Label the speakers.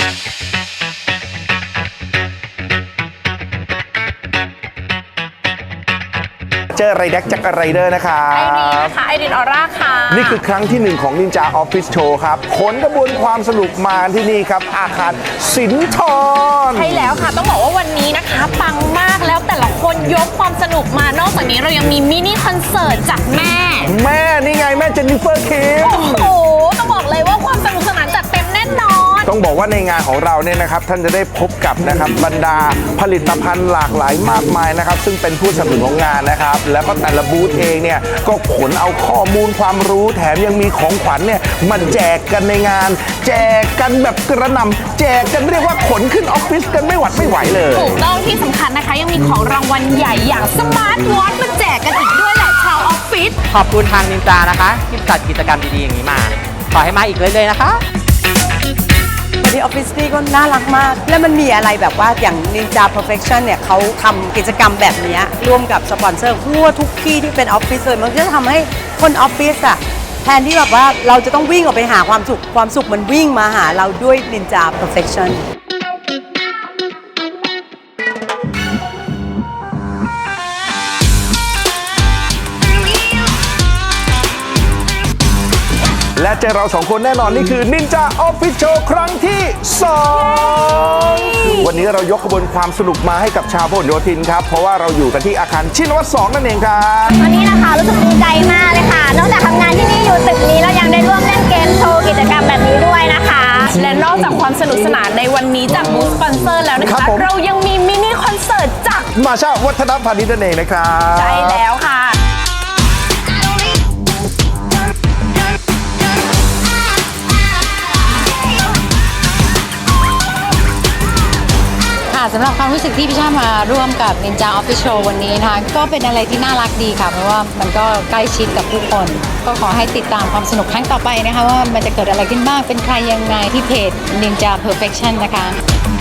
Speaker 1: เจอไรแดกจากไรเดอร์นะครับ
Speaker 2: ไอรีนนะคะไอรีนออร่าค่ะ
Speaker 1: นี่คือครั้งที่1ของนินจาออฟฟิศโชว์ครับขนกระบวนความสนุกมาที่นี่ครับอาคารสินทร
Speaker 2: ใช่แล้วค่ะต้องบอกว่าวันนี้นะคะปังมากแล้วแต่ละคนยกความสนุกมานอกจากนี้เรายังมีมินิคอนเสิร์ตจากแม่
Speaker 1: นี่ไงแม่เจนนิเฟอร์คิม
Speaker 2: โอ้โหต้องบอกเลยว่าความสนุกสนานจัดเต็มแน่นอน
Speaker 1: ต้องบอกว่าในงานของเราเนี่ยนะครับท่านจะได้พบกับนะครับบรรดาผลิตภัณฑ์หลากหลายมากมายนะครับซึ่งเป็นผู้สนับสนุนของงานนะครับแล้วก็แต่ละบูธเองเนี่ยก็ขนเอาข้อมูลความรู้แถมยังมีของขวัญเนี่ยมาแจกกันในงาน แจกกันแบบกระหน่ำแจกกันเรียกว่าขนขึ้นออฟฟิศกันไม่หวัดไม่ไหวเลย
Speaker 2: ถูกต้องที่สำคัญนะคะยังมีของรางวัลใหญ่อย่างสมาร์ทวอทมาแจกกันอีกด้วยแหละชาวออฟฟิศ
Speaker 3: ขอบคุณทางนินจานะคะที่จัดกิจกรรมดีๆอย่างนี้มาขอให้มาอีกเรื่อยๆนะคะ
Speaker 4: ที่ออฟฟิศนี่ก็น่ารักมากและมันมีอะไรแบบว่าอย่าง Ninja Perfection เนี่ยเขาทำกิจกรรมแบบนี้ร่วมกับสปอนเซอร์ทั่วทุกที่ที่เป็นออฟฟิศเลยมันจะทำให้คนออฟฟิศอะแทนที่แบบว่าเราจะต้องวิ่งออกไปหาความสุขมันวิ่งมาหาเราด้วย Ninja Perfection
Speaker 1: และเจอเรา2คนแน่นอนนี่คือนินจาออฟฟิศโชว์ครั้งที่2วันนี้เรายกขบวนความสนุกมาให้กับชาวพหลโยธินครับเพราะว่าเราอยู่กันที่อาคารชินวัตร2นั่นเองครับ
Speaker 5: วันนี้นะคะรู้สึกดีใจมากเลยค่ะนอกจากทำงานที่นี่อยู่ตึกนี้แล้วยังได้ร่วมเล่นเกมโชว์กิจกรรมแบบนี้ด้วยนะคะ
Speaker 2: และนอกจากความสนุกสนานในวันนี้จากบูธสปอนเซอร์แล้วนะคะเรายังมีมินิคอนเสิร์ตจาก
Speaker 1: มาชาวัฒนพาณิชย์นั่นเองนะครับ
Speaker 2: ใช่แล้วค่ะ
Speaker 6: สำหรับความรู้สึกที่พี่ชามาร่วมกับ Ninja Official วันนี้นะคะก็เป็นอะไรที่น่ารักดีค่ะเพราะว่ามันก็ใกล้ชิดกับผู้คนก็ขอให้ติดตามความสนุกครั้งต่อไปนะคะว่ามันจะเกิดอะไรขึ้นบ้างเป็นใครยังไงที่เพจ Ninja Perfection นะคะ